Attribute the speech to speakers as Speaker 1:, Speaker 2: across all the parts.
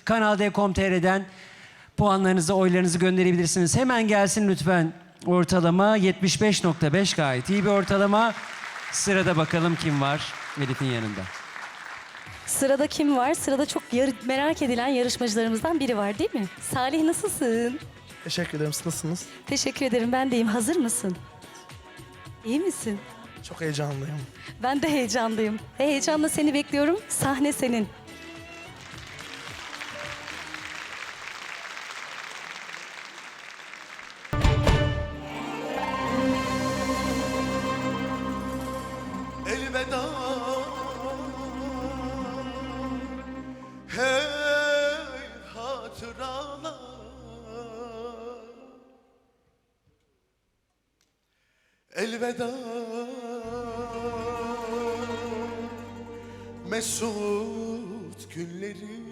Speaker 1: Kanal D.com.tr'den puanlarınızı, oylarınızı gönderebilirsiniz. Hemen gelsin lütfen ortalama. 75.5 gayet iyi bir ortalama. Sırada bakalım kim var Elif'in yanında.
Speaker 2: Sırada kim var? Sırada çok merak edilen yarışmacılarımızdan biri var değil mi? Salih nasılsın?
Speaker 3: Teşekkür ederim. Siz nasılsınız?
Speaker 2: Teşekkür ederim. Ben de iyiyim. Hazır mısın? İyi misin?
Speaker 3: Çok heyecanlıyım.
Speaker 2: Ben de heyecanlıyım. Heyecanla seni bekliyorum. Sahne senin.
Speaker 4: Elveda, hey hatıralar. Elveda, mesut günleri.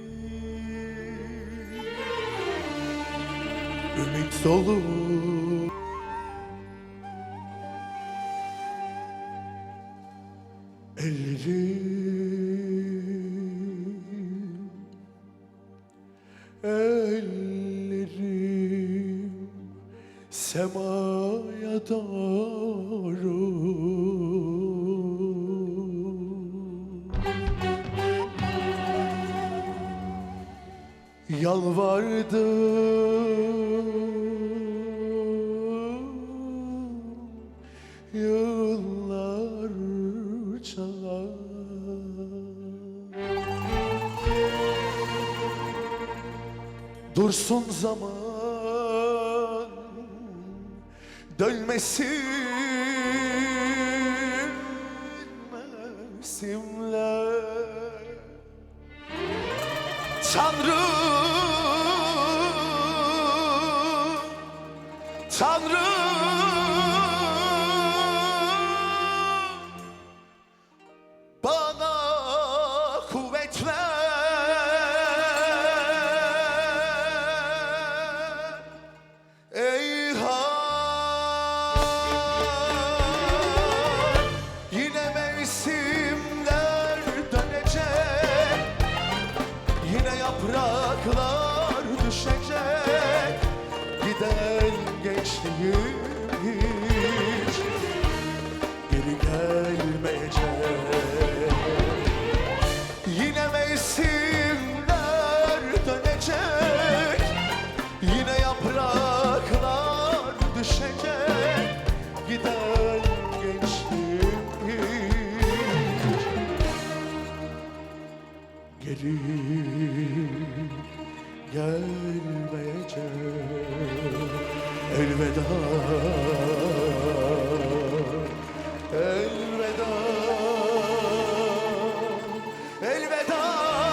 Speaker 4: Ümit dolu ellerim semaya doğru yalvardım yıllarca. Dursun zaman dönmesin mevsimler. Tanrım, Tanrım bana kuvvet ver. Eyhan, yine mevsimler dönecek, yine yapraklar düşecek, giden gençliğim hiç geri gelmeyecek. Yine mevsimler dönecek, yine yapraklar düşecek, giden gençliğim hiç geri gelmeyecek. Elveda, elveda, elveda,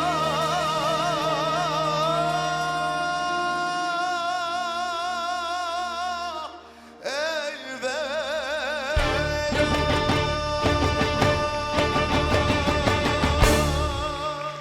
Speaker 4: elveda.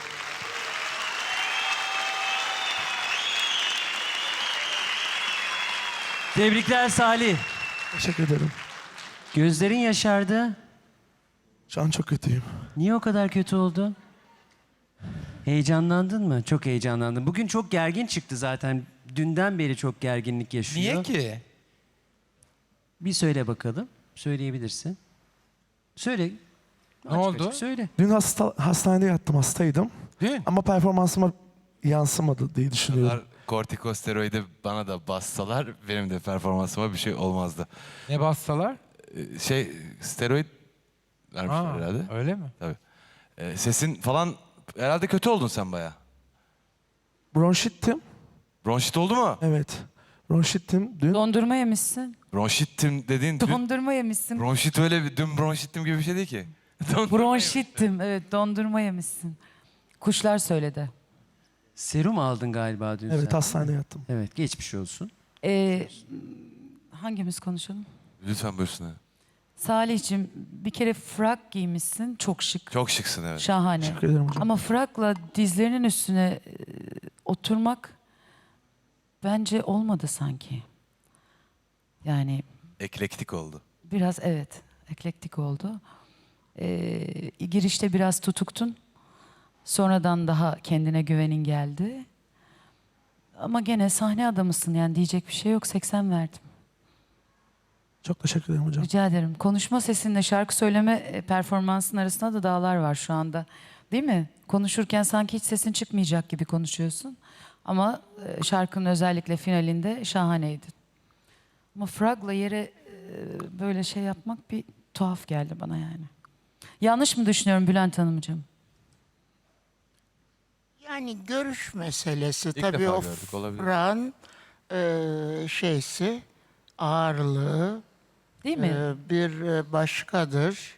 Speaker 1: Tebrikler Salih.
Speaker 3: Teşekkür ederim.
Speaker 1: Gözlerin yaşardı.
Speaker 3: Şu an çok kötüyüm.
Speaker 1: Niye o kadar kötü oldu? Heyecanlandın mı? Çok heyecanlandım. Bugün çok gergin çıktı zaten. Dünden beri çok gerginlik yaşıyor.
Speaker 5: Niye ki?
Speaker 1: Bir söyle bakalım. Söyleyebilirsin. Söyle.
Speaker 5: Ne oldu?
Speaker 1: Açık söyle.
Speaker 3: Dün hastanede yattım, hastaydım.
Speaker 5: Dün.
Speaker 3: Ama performansıma yansımadı diye düşünüyorum.
Speaker 6: Kortikosteroidi bana da bassalar benim de performansıma bir şey olmazdı.
Speaker 5: Ne bassalar?
Speaker 6: Steroid vermişler
Speaker 5: Aa,
Speaker 6: herhalde.
Speaker 5: öyle mi?
Speaker 6: Tabii. Sesin falan herhalde kötü oldun sen bayağı.
Speaker 3: Bronşittim.
Speaker 6: Bronşit oldu mu?
Speaker 3: Evet. Bronşittim dün.
Speaker 7: Dondurma yemişsin.
Speaker 6: Bronşittim dediğin dün.
Speaker 7: Dondurma yemişsin.
Speaker 6: Bronşit öyle bir dün bronşittim gibi bir şey değil ki.
Speaker 7: Bronşittim. Evet, dondurma yemişsin. Kuşlar söyledi.
Speaker 1: Serum aldın galiba dün
Speaker 3: Evet,
Speaker 1: sen.
Speaker 3: hastanede yattım.
Speaker 1: Evet, geçmiş olsun.
Speaker 7: Hangimiz konuşalım?
Speaker 6: Lütfen buyursun.
Speaker 7: Salih'cim, bir kere frak giymişsin. Çok şık.
Speaker 6: Çok şıksın evet.
Speaker 7: Şahane.
Speaker 3: Teşekkür ederim hocam.
Speaker 7: Ama frakla dizlerinin üstüne oturmak bence olmadı sanki. Yani
Speaker 6: Eklektik oldu.
Speaker 7: biraz evet, eklektik oldu. Girişte biraz tutuktun. Sonradan daha kendine güvenin geldi. Ama gene sahne adamısın yani diyecek bir şey yok. 80 verdim.
Speaker 3: Çok teşekkür ederim hocam.
Speaker 7: Rica ederim. Konuşma sesinle şarkı söyleme performansın arasında da dağlar var şu anda. Değil mi? Konuşurken sanki hiç sesin çıkmayacak gibi konuşuyorsun. Ama şarkının özellikle finalinde şahaneydin. Ama fragla yere böyle şey yapmak bir tuhaf geldi bana yani. Yanlış mı düşünüyorum Bülent Hanımcığım?
Speaker 8: Yani görüş meselesi
Speaker 6: İlk
Speaker 8: tabii
Speaker 6: defa
Speaker 8: o
Speaker 6: gördük, olabilir.
Speaker 8: frağın şeysi, ağırlığı
Speaker 7: Değil mi?
Speaker 8: bir başkadır.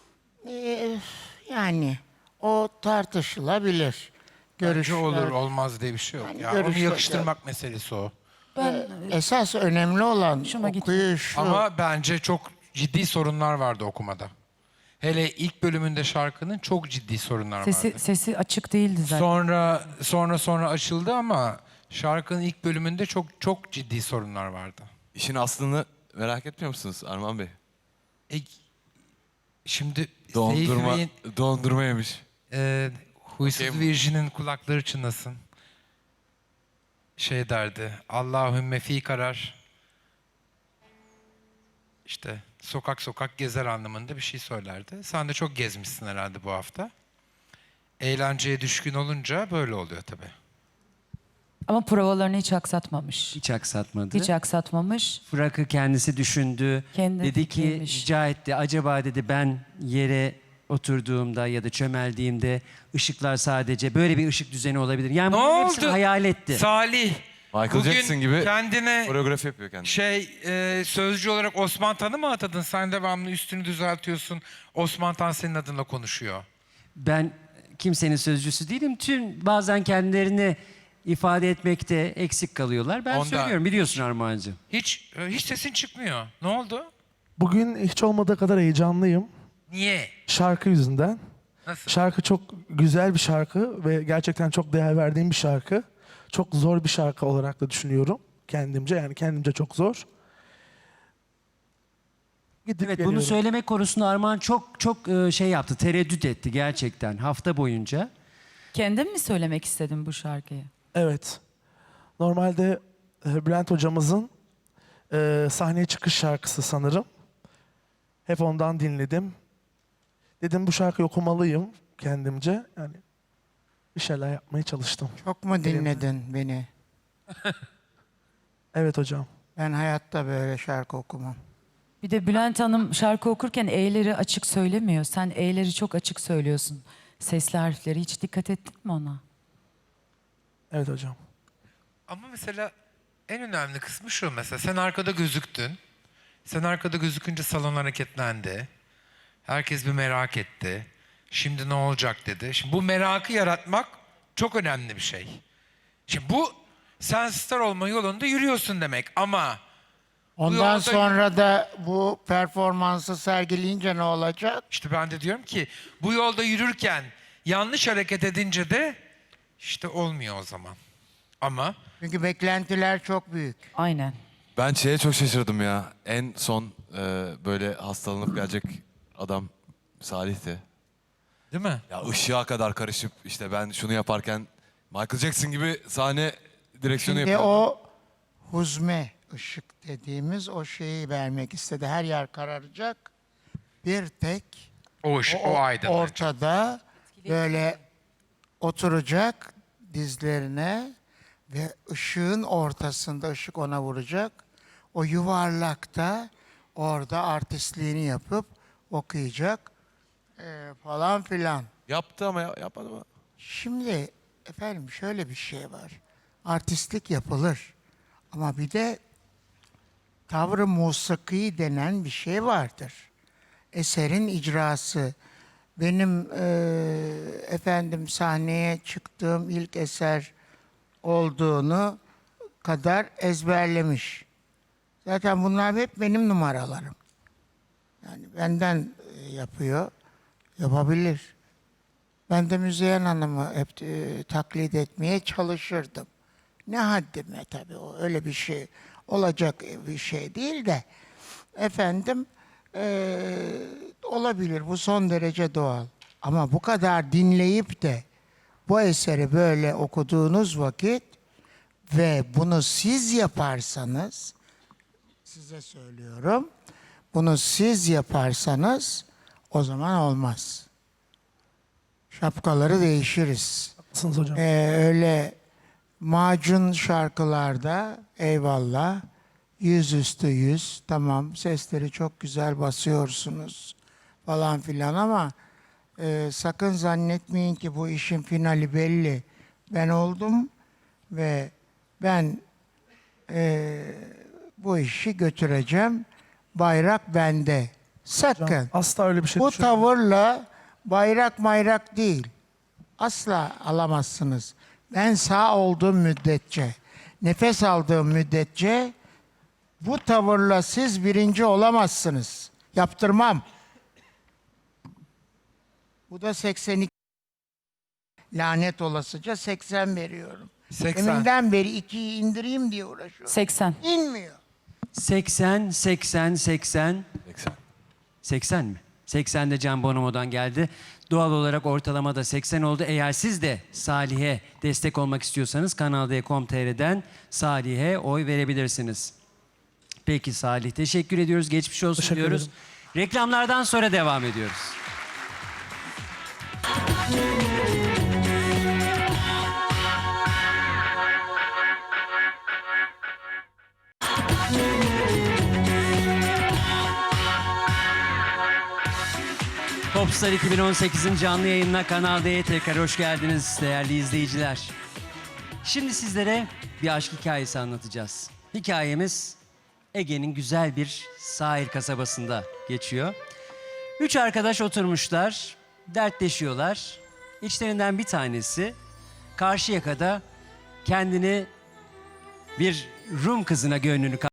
Speaker 8: Yani o tartışılabilir.
Speaker 5: Görüşü olur
Speaker 8: Görüşler-
Speaker 5: olmaz diye bir şey yok.
Speaker 8: Yani
Speaker 5: Ya onu
Speaker 8: görüşler-
Speaker 5: yakıştırmak meselesi o.
Speaker 7: Ben
Speaker 8: Esas önemli olan
Speaker 7: Hoşuma gitti.
Speaker 8: okuyuşu.
Speaker 5: Ama bence çok ciddi sorunlar vardı okumada. Hele ilk bölümünde şarkının çok ciddi sorunlar vardı.
Speaker 7: sesi açık değildi zaten.
Speaker 5: Sonra açıldı ama şarkının ilk bölümünde çok ciddi sorunlar vardı.
Speaker 6: İşin aslını merak etmiyor musunuz Arman Bey?
Speaker 5: E, şimdi
Speaker 6: Dondurma,
Speaker 5: Seyfi Bey'in
Speaker 6: dondurma yemiş.
Speaker 5: Huysuz
Speaker 6: Okey.
Speaker 5: Virjin'in kulakları çınlasın. Şey derdi, Allahümme fi karar. İşte sokak sokak gezer anlamında bir şey söylerdi. Sen de çok gezmişsin herhalde bu hafta. Eğlenceye düşkün olunca böyle oluyor tabii.
Speaker 7: Ama provalarını hiç aksatmamış.
Speaker 1: Hiç aksatmadı.
Speaker 7: Hiç aksatmamış.
Speaker 1: Fırak'ı kendisi düşündü.
Speaker 7: Kendi
Speaker 1: dedi ki
Speaker 7: fikriymiş.
Speaker 1: rica etti. Acaba dedi ben yere oturduğumda ya da çömeldiğimde ışıklar sadece böyle bir ışık düzeni olabilir. Yani
Speaker 5: Ne
Speaker 1: bunların hepsini
Speaker 5: oldu?
Speaker 1: hayal etti.
Speaker 5: Salih,
Speaker 6: Michael
Speaker 5: bugün
Speaker 6: Jackson gibi
Speaker 5: kendine
Speaker 6: koreografi yapıyor kendine.
Speaker 5: sözcü olarak Osman Tan'ı mı atadın? Sen devamlı üstünü düzeltiyorsun. Osman Tan senin adınla konuşuyor.
Speaker 1: Ben kimsenin sözcüsü değilim. Bazen kendilerini ifade etmekte eksik kalıyorlar. Ben
Speaker 5: Ondan-
Speaker 1: söylüyorum biliyorsun Armağancığım.
Speaker 5: Hiç sesin çıkmıyor. Ne oldu?
Speaker 3: Bugün hiç olmadığı kadar heyecanlıyım.
Speaker 5: Niye?
Speaker 3: Şarkı yüzünden.
Speaker 5: Nasıl?
Speaker 3: Şarkı çok güzel bir şarkı ve gerçekten çok değer verdiğim bir şarkı. Çok zor bir şarkı olarak da düşünüyorum kendimce. Yani kendimce çok zor. Gidip
Speaker 1: Evet
Speaker 3: geliyorum.
Speaker 1: bunu söyleme konusunda Armağan çok şey yaptı. Tereddüt etti gerçekten hafta boyunca.
Speaker 7: Kendin mi söylemek istedin bu şarkıyı?
Speaker 3: Evet. Normalde Bülent hocamızın sahneye çıkış şarkısı sanırım. Hep ondan dinledim. Dedim bu şarkıyı okumalıyım kendimce. Yani bir şeyler yapmaya çalıştım.
Speaker 8: Çok mu dinledin beni?
Speaker 3: Evet hocam.
Speaker 8: Ben hayatta böyle şarkı okumam.
Speaker 7: Bir de Bülent Hanım şarkı okurken E'leri açık söylemiyor. Sen E'leri çok açık söylüyorsun. Sesli harfleri hiç dikkat ettin mi ona?
Speaker 3: Evet hocam.
Speaker 5: Ama mesela en önemli kısmı şu mesela. Sen arkada gözüktün. Sen arkada gözükünce salon hareketlendi. Herkes bir merak etti. Şimdi ne olacak dedi. Şimdi bu merakı yaratmak çok önemli bir şey. Şimdi bu sen star olma yolunda yürüyorsun demek ama
Speaker 8: Ondan
Speaker 5: yolda-
Speaker 8: sonra da bu performansı sergileyince ne olacak?
Speaker 5: işte ben de diyorum ki bu yolda yürürken yanlış hareket edince de işte olmuyor o zaman. Ama
Speaker 8: Çünkü beklentiler çok büyük.
Speaker 7: Aynen.
Speaker 6: Ben şeye çok şaşırdım ya. En son böyle hastalanıp gelecek adam Salih'ti.
Speaker 5: değil mi?
Speaker 6: Ya ışığa kadar karışıp işte ben şunu yaparken Michael Jackson gibi sahne direksiyonu
Speaker 8: Şimdi
Speaker 6: yapıyor.
Speaker 8: o huzme ışık dediğimiz o şeyi vermek istedi. Her yer kararacak. Bir tek
Speaker 5: O aydınlanacak.
Speaker 8: ortada böyle oturacak dizlerine ve ışığın ortasında ışık ona vuracak. O yuvarlakta orada artistliğini yapıp okuyacak falan filan.
Speaker 6: Yaptı ama yapmadı mı?
Speaker 8: Şimdi efendim şöyle bir şey var. Artistlik yapılır. Ama bir de tavrı musiki denen bir şey vardır. Eserin icrası. Benim efendim sahneye çıktığım ilk eser olduğunu kadar ezberlemiş. Zaten bunlar hep benim numaralarım. Yani benden yapıyor, yapabilir. Ben de Müzeyyen Hanım'ı hep taklit etmeye çalışırdım. Ne haddime tabii o öyle bir şey olacak bir şey değil de efendim olabilir bu son derece doğal. Ama bu kadar dinleyip de Bu eseri böyle okuduğunuz vakit ve bunu siz yaparsanız, size söylüyorum, bunu siz yaparsanız o zaman olmaz. Şapkaları değişiriz.
Speaker 3: Haklısınız hocam.
Speaker 8: Öyle macun şarkılarda eyvallah, yüzüstü yüz, tamam sesleri çok güzel basıyorsunuz falan filan ama sakın zannetmeyin ki bu işin finali belli. Ben oldum ve ben bu işi götüreceğim. Bayrak bende. Sakın.
Speaker 3: Asla öyle bir şey
Speaker 8: Bu
Speaker 3: düşünmüyorum.
Speaker 8: tavırla bayrak değil. Asla alamazsınız. Ben sağ olduğum müddetçe, nefes aldığım müddetçe bu tavırla siz birinci olamazsınız. Yaptırmam. Bu da 82. Lanet olasıca 80 veriyorum.
Speaker 5: 80.
Speaker 8: Deminden beri 2'yi indireyim diye uğraşıyorum.
Speaker 7: 80.
Speaker 8: İnmiyor.
Speaker 1: 80, 80, 80.
Speaker 6: 80.
Speaker 1: 80 mi? 80 de Can Bonomo'dan geldi. Doğal olarak ortalama da 80 oldu. Eğer siz de Salih'e destek olmak istiyorsanız Kanal D.com.tr'den Salih'e oy verebilirsiniz. Peki Salih, teşekkür ediyoruz. Geçmiş olsun
Speaker 3: Teşekkür
Speaker 1: diyoruz.
Speaker 3: ederim.
Speaker 1: Reklamlardan sonra devam ediyoruz. Popstar 2018'in canlı yayınına Kanal D'ye tekrar hoş geldiniz değerli izleyiciler. Şimdi sizlere bir aşk hikayesi anlatacağız. Hikayemiz Ege'nin güzel bir sahil kasabasında geçiyor. 3 arkadaş oturmuşlar, dertleşiyorlar. İçlerinden bir tanesi Karşıyaka'da kendini bir Rum kızına gönlünü